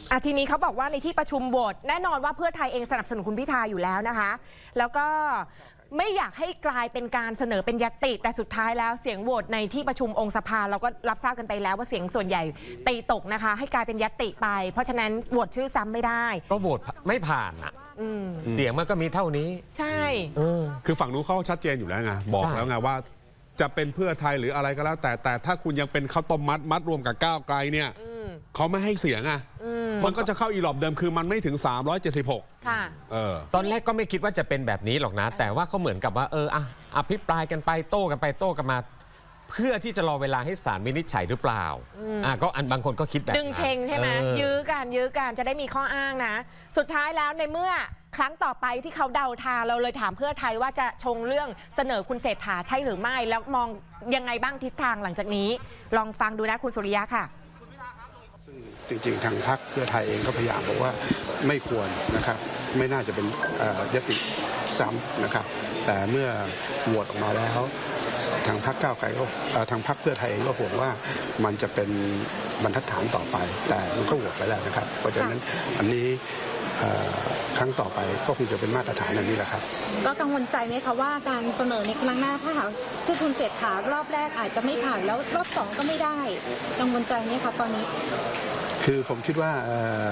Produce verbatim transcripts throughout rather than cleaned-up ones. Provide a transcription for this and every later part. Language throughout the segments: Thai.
อ่ะทีนี้เขาบอกว่าในที่ประชุมโหวตแน่นอนว่าเพื่อไทยเองสนับสนุนคุณพิธาอยู่แล้วนะคะแล้วก็ไม่อยากให้กลายเป็นการเสนอเป็นญัตติแต่สุดท้ายแล้วเสียงโหวตในที่ประชุมองค์สภาเราก็รับทราบกันไปแล้วว่าเสียงส่วนใหญ่ตีตกนะคะให้กลายเป็นญัตติไปเพราะฉะนั้นโหวตชื่อซ้ำไม่ได้ก็โหวตไม่ผ่านอ่ะเสียงมันก็มีเท่านี้ใช่คือฝั่งนู้นเขาชัดเจนอยู่แล้วไงบอกแล้วไงว่าจะเป็นเพื่อไทยหรืออะไรก็แล้วแต่แต่ถ้าคุณยังเป็นข้าวต้มมัดมัดรวมกับก้าวไกลเนี่ยเขาไม่ให้เสียงอ่ะมันก็จะเข้าอีหลอบเดิมคือมันไม่ถึงสามร้อยเจ็ดสิบหกค่ะเออตอนแรกก็ไม่คิดว่าจะเป็นแบบนี้หรอกนะแต่ว่าเขาเหมือนกับว่าเอออ่ะอภิปรายกันไปโต้กันไปโต้กันมาเพื่อที่จะรอเวลาให้ศาลวินิจฉัยหรือเปล่าอ่ะก็อันบางคนก็คิดแบบดึงเชงใช่ไหมยื้อกันยื้อกันจะได้มีข้ออ้างนะสุดท้ายแล้วในเมื่อครั้งต่อไปที่เขาเดาทางเราเลยถามเพื่อไทยว่าจะชงเรื่องเสนอคุณเศรษฐาใช่หรือไม่แล้วมองยังไงบ้างทิศทางหลังจากนี้ลองฟังดูนะคุณสุริยะค่ะซึ่งจริงๆทางพรรคเพื่อไทยเองก็พยายามบอกว่าไม่ควรนะครับไม่น่าจะเป็นยติซ้ำนะครับแต่เมื่อโหวตออกมาแล้วทางพรรคก้าวไกลก็ทางพรรคเพื่อไทยเองก็ห่วงว่ามันจะเป็นบรรทัดฐานต่อไปแต่มันก็โหวตไปแล้วนะครับเพราะฉะนั้นอันนี้ครั้งต่อไปก็คงจะเป็นมาตรฐานอันนี้แหละครับก็กังวลใจไหมคะว่าการเสนอในครั้งหน้าถ้าหากชื่อคุณเศรษฐารอบแรกอาจจะไม่ผ่านแล้วรอบสองก็ไม่ได้กังวลใจไหมคะตอนนี้คือผมคิดว่า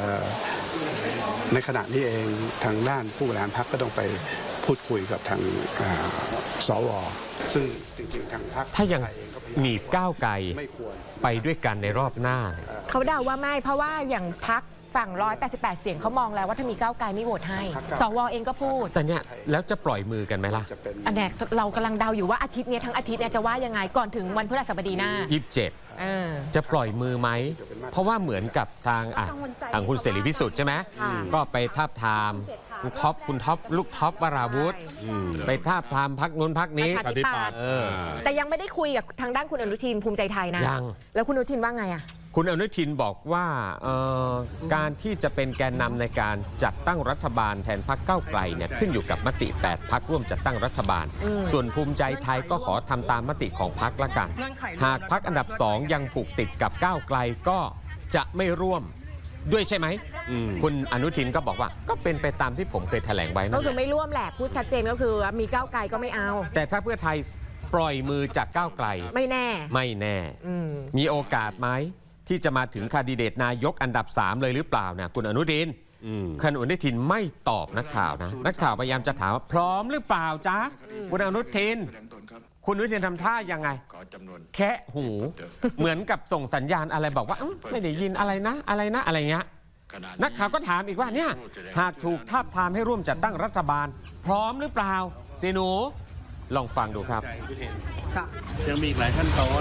ในขณะนี้เองทางด้านผู้บริหารพรรคก็ต้องไปพูดคุยกับทางสวซึ่งจริงๆทางพรรคถ้ายังหนีบก้าวไกลไปด้วยกันในรอบหน้าเขาเดาว่าไม่เพราะว่าอย่างพรรคฝั่งหนึ่งร้อยแปดสิบแปดเสียงเขามองแล้วว่าถ้ามีก้าวไกลไม่โหวตให้สวเองก็พูดแต่เนี่ยแล้วจะปล่อยมือกันไหมล่ะอันนี้เรากำลังเดาอยู่ว่าอาทิตย์นี้ทั้งอาทิตย์เนี่ยจะว่ายังไงก่อนถึงวันพฤหัสบดีหน้ายี่สิบเจ็ดจะปล่อยมือไหมเพราะว่าเหมือนกับทางอ่ะทางคุณเสรีพิสุทธิ์ใช่ไหมก็ไปทาบทามคุณท็อปคุณท็อปลูกท็อปวราวุธไปทาบทามพักนู้นพักนี้ปฏิปัติแต่ยังไม่ได้คุยกับทางด้านคุณอนุทินภูมิใจไทยนะยังแล้วคุณอนุทินว่าไงอ่ะคุณอนุทินบอกว่าการที่จะเป็นแกนนำในการจัดตั้งรัฐบาลแทนพรรคก้าวไกลเนี่ยขึ้นอยู่กับมติแปดพรรคร่วมจัดตั้งรัฐบาลส่วนภูมิใจไทยก็ขอทำตามมติของพรรคละกันหากพรรคอันดับสองยังผูกติดกับก้าวไกลก็จะไม่ร่วมด้วยใช่ไหมคุณอนุทินก็บอกว่าก็เป็นไปตามที่ผมเคยแถลงไว้ก็คือไม่ร่วมแหละพูดชัดเจนก็คือมีก้าวไกลก็ไม่เอาแต่ถ้าเพื่อไทยปล่อยมือจากก้าวไกลไม่แน่ไม่แน่มีโอกาสไหมที่จะมาถึงแคนดิเดตนายกอันดับสามเลยหรือเปล่านะคุณอนุทินคุณอนุทินไม่ตอบนักข่าวนะนักข่าวพยายามจะถามว่าพร้อมหรือเปล่าจ๊ะคุณอนุทินคุณอนุทินทำท่ายังไงแค่หูเหมือนกับส่งสัญญาณอะไรบอกว่าไม่ได้ยินอะไรนะอะไรนะอะไรเงี้ยนักข่าวก็ถามอีกว่าเนี่ยหากถูกทาบทามให้ร่วมจัดตั้งรัฐบาลพร้อมหรือเปล่าสิหนูลองฟังดูครับยังมีอีกหลายขั้นตอน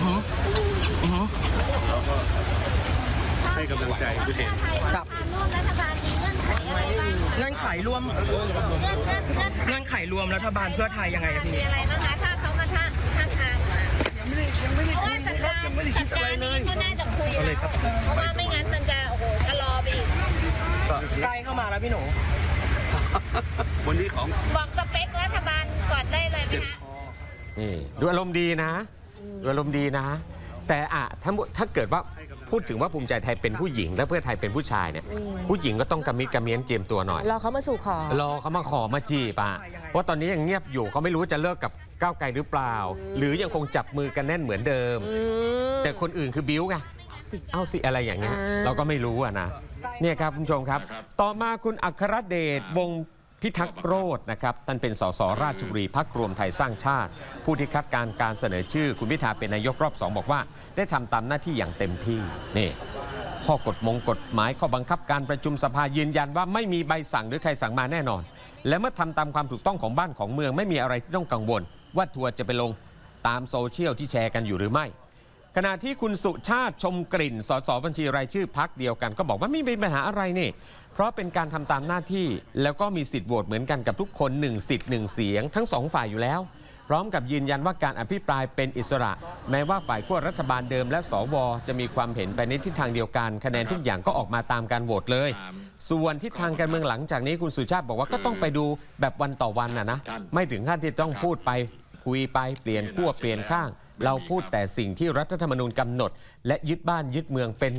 แล้วก็ให้กำลังใจด้วยครับร่วมรัฐบาลมีเงื่อนไขอะไรบ้างเงื่อนไขรวมเงื่อนไขรวมรัฐบาลเพื่อไทยยังไงพี่มีอะไรบ้างคะถ้าเขามาท่าท่าทางมายังไม่ได้ยังไม่ได้คุยครับยังไม่ได้คิดอะไรเลยก็น่าจะคุยเพราะว่าไม่งั้นมันจะโอ้โหชะลอไปอีกใกล้เข้ามาแล้วพี่หนูวันนี้ของบอกสเปครัฐบาลก่อนได้เลยไหมคะนี่ดูอารมณ์ดีนะดูอารมณ์ดีนะแต่อะถ้าถ้าเกิดว่าพูดถึงว่าภูมิใจไทยเป็นผู้หญิงและเพื่อไทยเป็นผู้ชายเนี่ยผู้หญิงก็ต้องกระมิดกระเมียนเจียมตัวหน่อยรอเขามาสู่ขอรอเขามาขอมาจีบอ่ะเพราะตอนนี้ยังเงียบอยู่เขาไม่รู้จะเลิกกับก้าวไกลหรือเปล่าหรือยังคงจับมือกันแน่นเหมือนเดิมแต่คนอื่นคือบิ้วไงเอาสิเอาสิอะไรอย่างเงี้ยเราก็ไม่รู้อ่ะนะเนี่ยครับคุณผู้ชมครับต่อมาคุณอัครเดชวงศ์พิทักษ์โรจน์นะครับท่านเป็นสสราชบุรีพรรครวมไทยสร้างชาติผู้ที่คัดการการเสนอชื่อคุณพิธาเป็นนายกรอบสองบอกว่าได้ทำตามหน้าที่อย่างเต็มที่นี่ข้อกฎมงกฎหมายข้อบังคับการประชุมสภายืนยันว่าไม่มีใบสั่งหรือใครสั่งมาแน่นอนและเมื่อทำตามความถูกต้องของบ้านของเมืองไม่มีอะไรที่ต้องกังวลว่าทัวร์จะไปลงตามโซเชียลที่แชร์กันอยู่หรือไม่ขณะที่คุณสุชาติชมกลิ่นสสบัญชีรายชื่อพรรคเดียวกันก็บอกว่าไม่มีปัญหาอะไรนี่เพราะเป็นการทำตามหน้าที่แล้วก็มีสิทธิ์โหวตเหมือนกันกับทุกคนหนึ่งสิทธิ์หนึ่งเสียงทั้งสองฝ่ายอยู่แล้วพร้อมกับยืนยันว่าการอภิปรายเป็นอิสระแม้ว่าฝ่ายขั้วรัฐบาลเดิมและสวจะมีความเห็นไปในทิศทางเดียวกันคะแนนทุกอย่างก็ออกมาตามการโหวตเลยส่วนทิศทางการเมืองหลังจากนี้คุณสุชาติบอกว่าก็ต้องไปดูแบบวันต่อวันนะนะไม่ถึงขั้นที่ต้องพูดไปคุยไปเปลี่ยนขั้วเปลี่ยนข้างเราพูดแต่สิ่งที่รัฐธรรมนูญกำหนดและยึดบ้านยึดเมืองเป็นหลัก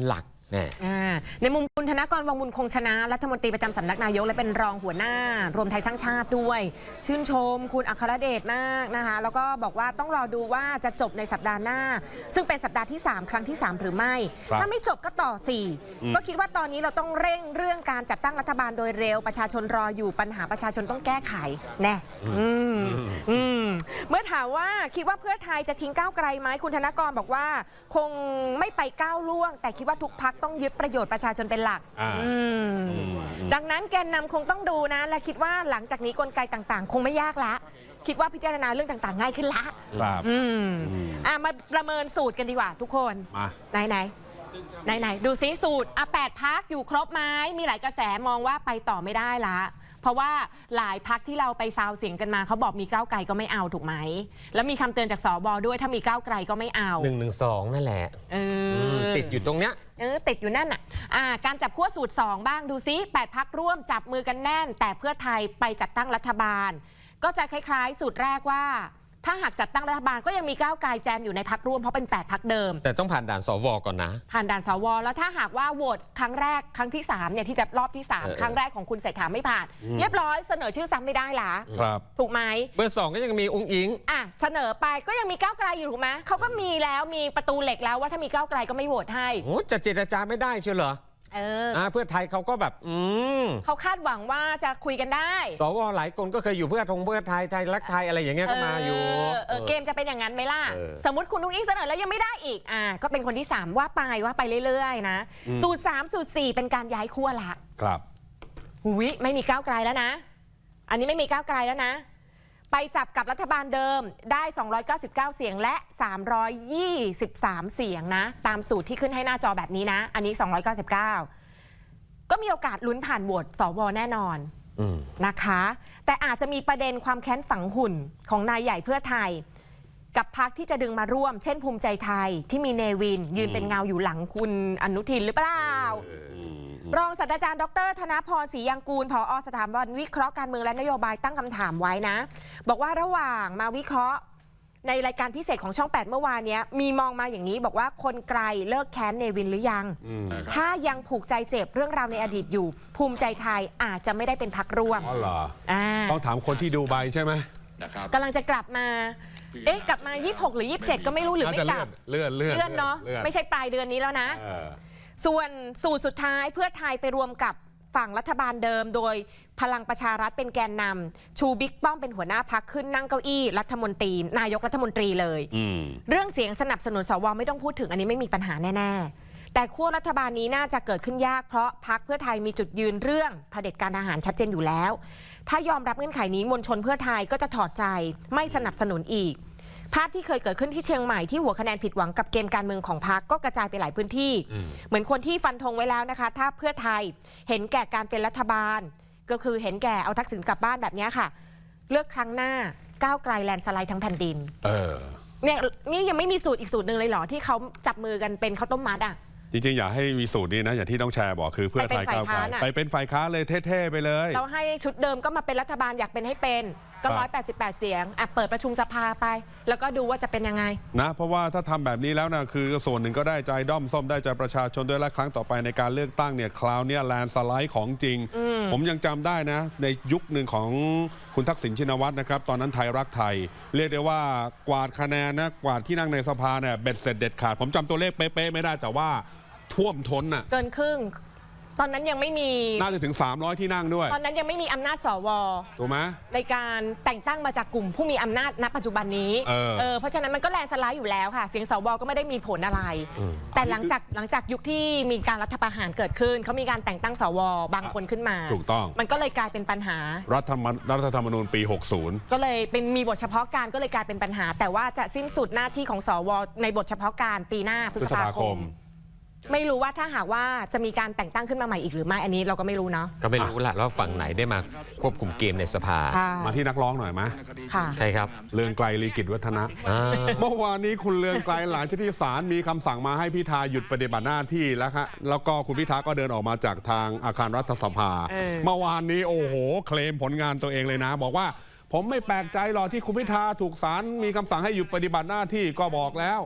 แน่อ่าในมุมคุณธนกร วังบุญคงชนะรัฐมนตรีประจำสำนักนายกและเป็นรองหัวหน้ารวมไทยสร้างชาติด้วย ชื่นชมคุณอัครเดชมากนะคะแล้วก็บอกว่าต้องรอดูว่าจะจบในสัปดาห์หน้า ซึ่งเป็นสัปดาห์ที่ สาม ครั้งที่ สาม หรือไม่ครับถ้าไม่จบก็ต่อ สี่ ก็คิดว่าตอนนี้เราต้องเร่งเรื่องการจัดตั้งรัฐบาลโดยเร็วประชาชนรออยู่ปัญหาประชาชนต้องแก้ไขแน่อืมอืมเมื่อถามว่าคิดว่าเพื่อไทยจะทิ้งก้าวไกลไหมคุณธนกรบอกว่าคงไม่ไปก้าวล่วง แต่คิดว่าทุกพักต้องยึดประโยชน์ประชาชนเป็นหลักอ่าอืมดังนั้นแกนนำคงต้องดูนะ และคิดว่าหลังจากนี้กลไกต่างๆ คงไม่ยากละ คิดว่าพิจารณาเรื่องต่างๆ ง่ายขึ้นละครับอืมอ่ะมาประเมินสูตรกันดีกว่าทุกคนมาไหนไหนไหนไหนดูซิสูตรอ่ะแปดพักอยู่ครบไหมมีหลายกระแสมองว่าไปต่อไม่ได้ละ เพราะว่าหลายพักที่เราไปซาวเสียงกันมาเขาบอกมีก้าวไกลก็ไม่เอาถูกไหมแล้วมีคำเตือนจากสบด้วยถ้ามีก้าวไกลก็ไม่เอาหนึ่งหนึ่งสองนั่นแหละเออติดอยู่ตรงเนี้ยเออติดอยู่นั่นอ่ะอ่าการจับขั้วสูตร สอง บ้างดูซิแปดพักร่วมจับมือกันแน่น แต่เพื่อไทยไปจัดตั้งรัฐบาล ก็จะคล้ายๆ สูตรแรกว่า ถ้าหากจัดตั้งรัฐบาลก็ยังมีก้าวไกลแจมอยู่ในพักร่วมเพราะเป็นแปดพักเดิมแต่ต้องผ่านด่านสวก่อนนะผ่านด่านสวแล้วถ้าหากว่าโหวตครั้งแรกครั้งที่สามเนี่ยที่จะรอบที่สามเออครั้งแรกของคุณเศรษฐาไม่ผ่าน เรียบร้อยเสนอชื่อซ้ำไม่ได้ละครับถูกไหมเบอร์สองก็ยังมีองค์อิงอ่ะเสนอไปก็ยังมีก้าวไกลอยู่ถูกไหมเขาก็มีแล้วมีประตูเหล็กแล้วว่าถ้ามีก้าวไกลก็ไม่โหวตให้โอ้จะเจรจาไม่ได้เชียวเหรอเอออ่าเพื่อไทยเขาก็แบบ อืมเขาคาดหวังว่าจะคุยกันได้สวหลายคนก็เคยอยู่เพื่อทงเพื่อไทยไทยรักไทยอะไรอย่างเงี้ยก็มาอยู่เเออเกมจะเป็นอย่างนั้นไหมล่ะเออสมมติคุณนุ้งอิงเสนอแล้วยังไม่ได้อีกอ่าก็เป็นคนที่ สาม ว่าไปว่าไปเรื่อยๆนะสูตร สาม สูตร สี่ เป็นการย้ายขั้วละครับหุยไม่มีก้าวไกลแล้วนะ อันนี้ไม่มีก้าวไกลแล้วนะ ไปจับกับรัฐบาลเดิมได้ สองร้อยเก้าสิบเก้า เสียงและ สามร้อยยี่สิบสาม เสียงนะ ตามสูตรที่ขึ้นให้หน้าจอแบบนี้นะ อันนี้ สองร้อยเก้าสิบเก้า ก็มีโอกาสลุ้นผ่านโหวตสวแน่นอนอืมนะคะ แต่อาจจะมีประเด็นความแค้นฝังหุ่นของนายใหญ่เพื่อไทย กับพรรคที่จะดึงมาร่วม เช่นภูมิใจไทยที่มีเนวิน ยืนเป็นเงาอยู่หลังคุณอนุทินหรือเปล่า รองศาสตราจารย์ดรธนพรศรียังกูลผอสถาบันวิเคราะห์การเมืองและนโยบายตั้งคำถามไว้นะ บอกว่าระหว่างมาวิเคราะห์ในรายการพิเศษของช่อง แปด เมื่อวานนี้มีมองมาอย่างนี้บอกว่าคนไกลเลิกแค้นเนวินหรือยัง ถ้ายังผูกใจเจ็บเรื่องราวในอดีตอยู่ ภูมิใจไทยอาจจะไม่ได้เป็นพรรคร่วมอ๋อเหรออ่าต้องถามคนที่ดูใบใช่ไหมกำลังจะกลับมา เอ๊ะกลับมายี่สิบหกหรือยี่สิบเจ็ดก็ไม่รู้หรือน่าไม่จะกเลื่ลัอบ นเลื่อนเลื่อนเลื่อนเนาะลื่อไม่ใช่ปลายเดือนนี้แล้วนะเออส่วนสูตรสุดท้ายเพื่อไทยไปรวมกับฝั่งรัฐบาลเดิม โดยพลังประชารัฐเป็นแกนนำชูบิ๊กป้อมเป็นหัวหน้าพักขึ้นนั่งเก้าอี้รัฐมนตรีนายกรัฐมนตรีเลยอืมเรื่องเสียงสนับสนุนสวไม่ต้องพูดถึงอันนี้ไม่มีปัญหาแน่ๆ แต่ขั้วรัฐบาลนี้น่าจะเกิดขึ้นยากเพราะพรรคเพื่อไทยมีจุดยืนเรื่องเผด็จการทหารชัดเจนอยู่แล้ว ถ้ายอมรับเงื่อนไขนี้มวลชนเพื่อไทยก็จะถอดใจไม่สนับสนุนอีก ภาพที่เคยเกิดขึ้นที่เชียงใหม่ที่หัวคะแนนผิดหวังกับเกมการเมืองของพรรคก็กระจายไปหลายพื้นที่ เหมือนคนที่ฟันธงไว้แล้วนะคะ ถ้าเพื่อไทยเห็นแก่การเป็นรัฐบาล ก็คือเห็นแก่เอาทักษิณกลับบ้านแบบนี้ค่ะ เลือกครั้งหน้าก้าวไกลแลนด์สไลด์ทั้งแผ่นดินเออเนี่ยนี่ยังไม่มีสูตรอีกสูตรหนึ่งเลยเหรอที่เขาจับมือกันเป็นข้าวต้มมัดอ่ะจริงๆ อยากให้มีสูตรนี้นะ อย่างที่ต้องแชร์บอกคือเพื่อไทยก้าวไกลไปเป็นฝ่ายค้านเลยเท่ๆไปเลยเราให้ชุดเดิมก็มาเป็นรัฐบาลอยากเป็นให้เป็นก็ครับร้อยแปดสิบแปดเสียงอ่ะเปิดประชุมสภาไป แล้วก็ดูว่าจะเป็นยังไงนะเพราะว่าถ้าทำแบบนี้แล้วนะคือส่วนหนึ่งก็ได้ใจด้อมส้มได้ใจประชาชนด้วยและครั้งต่อไปในการเลือกตั้งเนี่ยคราวเนี้แลนสไลด์ของจริง ผมยังจำได้นะ ในยุคหนึ่งของคุณทักษิณชินวัตรนะครับตอนนั้นไทยรักไทย เรียกได้ว่ากวาดคะแนนนะกวาดที่นั่งในสภาเนี่ยเบ็ดเสร็จเด็ดขาดผมจำตัวเลขเป๊ะๆไม่ได้แต่ว่าท่วมท้นน่ะเกินครึ่ง ตอนนั้นยังไม่มีน่าจะถึงสามร้อยที่นั่งด้วยตอนนั้นยังไม่มีอำนาจสวถูกไหมในการแต่งตั้งมาจากกลุ่มผู้มีอำนาจณปัจจุบันนี้เออเออเพราะฉะนั้นมันก็แลนด์สไลด์อยู่แล้วค่ะ เสียงสวก็ไม่ได้มีผลอะไร แต่หลังจากหลังจากยุคที่มีการรัฐประหารเกิดขึ้นเขามีการแต่งตั้งสวบางคนขึ้นมาถูกต้องมันก็เลยกลายเป็นปัญหารัฐธรรมรัฐธรรมนูญปี หกสิบก็เลยเป็นมีบทเฉพาะการก็เลยกลายเป็นปัญหา แต่ว่าจะสิ้นสุดหน้าที่ของสวในบทเฉพาะการปีหน้าพฤษภาคม ไม่รู้ว่าถ้าหากว่าจะมีการแต่งตั้งขึ้นมาใหม่อีกหรือไม่อันนี้เราก็ไม่รู้เนาะก็ไม่รู้ละว่าฝั่งไหนได้มาควบคุมเกมในสภาค่ะมาที่นักร้องหน่อยไหมค่ะใช่ครับเรืองไกลลีกิจวัฒนะอ่าเมื่อวานนี้คุณเรืองไกลหลังจากที่ศาลมีคำสั่งมาให้พิธาหยุดปฏิบัติหน้าที่แล้วครับแล้วก็คุณพิธาก็เดินออกมาจากทางอาคารรัฐสภาเออเมื่อวานนี้โอ้โหเคลมผลงานตัวเองเลยนะ บอกว่าผมไม่แปลกใจหรอกที่คุณพิธาถูกศาลมีคำสั่งให้หยุดปฏิบัติหน้าที่ก็บอกแล้ว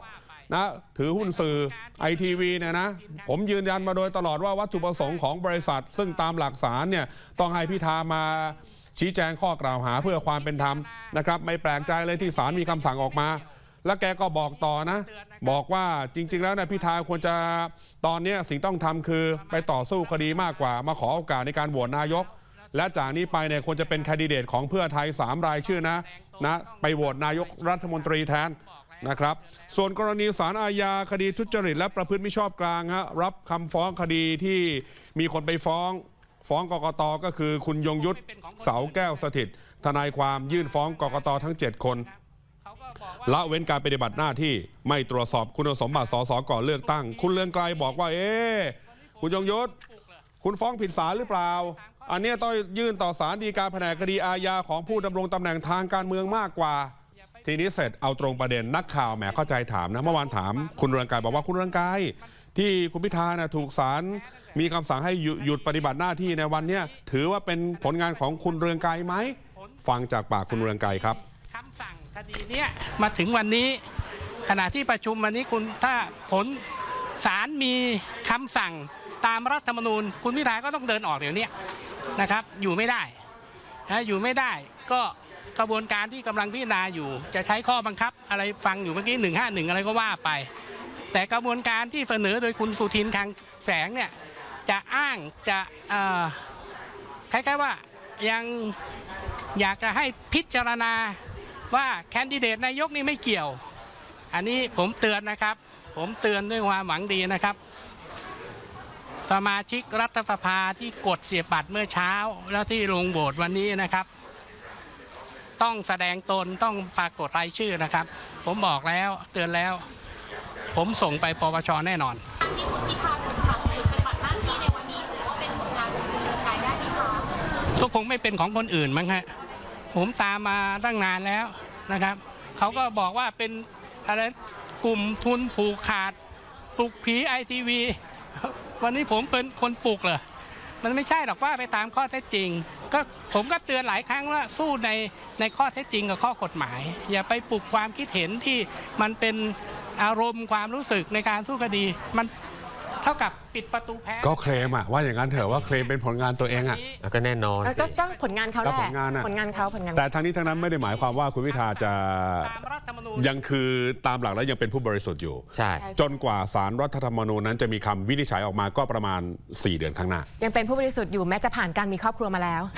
นะถือหุ้นสื่อไอทีวีเนี่ยนะผมยืนยันมาโดยตลอดว่าวัตถุประสงค์ของบริษัท ซึ่งตามหลักศาลเนี่ยต้องให้พิธามาชี้แจงข้อกล่าวหาเพื่อความเป็นธรรมนะครับไม่แปลกใจเลยที่ศาลมีคำสั่งออกมา แล้วแกก็บอกต่อนะบอกว่าจริงๆแล้วเนี่ยพิธาควรจะตอนนี้สิ่งต้องทำคือไปต่อสู้คดีมากกว่ามาขอโอกาสในการโหวตนายกและจากนี้ไปเนี่ยควรจะเป็นแคนดิเดตของเพื่อไทยสามรายชื่อนะนะไปโหวตนายกรัฐมนตรีแทนนะครับส่วนกรณีศาลอาญาคดีทุจริตและประพฤติมิชอบกลางฮะรับคำฟ้องคดีที่มีคนไปฟ้องฟ้องกกตก็คือคุณยงยุทธเสาแก้วสถิตทนายความยื่นฟ้องกกตทั้งเจ็ดคนละเว้นการปฏิบัติหน้าที่ไม่ตรวจสอบคุณสมบัติสสก่อนเลือกตั้งคุณเลืองไกลบอกว่าเอ๊ะคุณยงยุทธคุณฟ้องผิดศาลหรือเปล่าอันนี้ต้องยื่นต่อศาลฎีกาแผนกคดีอาญาของผู้ดำรงตำแหน่งทางการเมืองมากกว่าทีนี้เสร็จเอาตรงประเด็นนักข่าวแหมเข้าใจถามนะเมื่อวานถามคุณเรืองไกรบอกว่าคุณเรืองไกรที่คุณพิธานะถูกศาลมีคำสั่งให้หยุดปฏิบัติหน้าที่ในวันนี้ถือว่าเป็นผลงานของคุณเรืองไกรไหมฟังจากปากคุณเรืองไกรครับคำสั่งคดีเนี้ยมาถึงวันนี้ขณะที่ประชุมวันนี้คุณถ้าผลศาลมีคำสั่งตามรัฐธรรมนูญคุณพิธาก็ต้องเดินออกเดี๋ยวนี้นะครับอยู่ไม่ได้นะอยู่ไม่ได้ก็กระบวนการที่กำลังพิจารณาอยู่จะใช้ข้อบังคับอะไรฟังอยู่เมื่อกี้หนึ่งห้าหนึ่งอะไรก็ว่าไปแต่กระบวนการที่เสนอโดยคุณสุทินคลังแสงเนี่ยจะอ้างจะคล้ายๆว่ายังอยากจะให้พิจารณาว่าแคนดิเดตนายกนี่ไม่เกี่ยวอันนี้ผมเตือนนะครับผมเตือนด้วยความหวังดีนะครับสมาชิกรัฐสภาที่กดเสียบบัตรเมื่อเช้าแล้วที่ลงโหวตวันนี้นะครับต้องแสดงตนต้องปรากฏรายชื่อนะครับผมบอกแล้วเตือนแล้วผมส่งไปปปชแน่นอนที่คุณพิธาถูกสั่งหยุดปฏิบัติหน้าที่ในวันนี้ถือว่าเป็นผลงานของคุณเรืองไกรได้ไหมคะก็คงไม่เป็นของคนอื่นมั้งฮะผมตามมาตั้งนานแล้วนะครับเขาก็บอกว่าเป็นอะไรกลุ่มทุนผูกขาดปลุกผีไอทีวีวันนี้ผมเป็นคนปลุกเหรอมันไม่ใช่หรอกว่าไปตามข้อเท็จจริงก็ผมก็เตือนหลายครั้งว่าสู้ในในข้อเท็จจริงกับข้อกฎหมายอย่าไปปลุกความคิดเห็นที่มันเป็นอารมณ์ความรู้สึกในการสู้คดีมันเท่ากับปิดประตูแพ้ก็เคลมอะว่าอย่างนั้นเถอะว่าเคลมเป็นผลงานตัวเองอะแล้วก็แน่นอนก็ก็ผลงานเขาแหละผลงานอะผลงานเขาผลงานแต่ทั้งนี้ทั้งนั้นไม่ได้หมายความว่าคุณพิธาจะยังคือตามหลักแล้วยังเป็นผู้บริสุทธิ์อยู่ใช่จนกว่าศาลรัฐธรรมนูญนั้นจะมีคำวินิจฉัยออกมาก็ประมาณสี่เดือนข้างหน้ายังเป็นผู้บริสุทธิ์อยู่แม้จะผ่านการมีครอบครัวมาแล้ว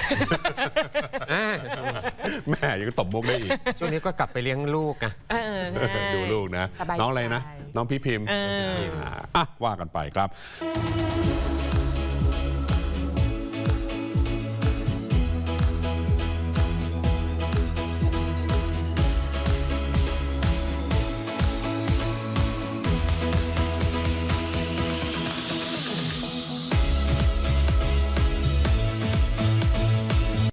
แม่ยังตบมุกได้อีกช่วงนี้ก็กลับไปเลี้ยงลูกอะดูลูกนะน้องอะไรนะน้องพี่พิมพ์อ่ะว่ากันไปครับ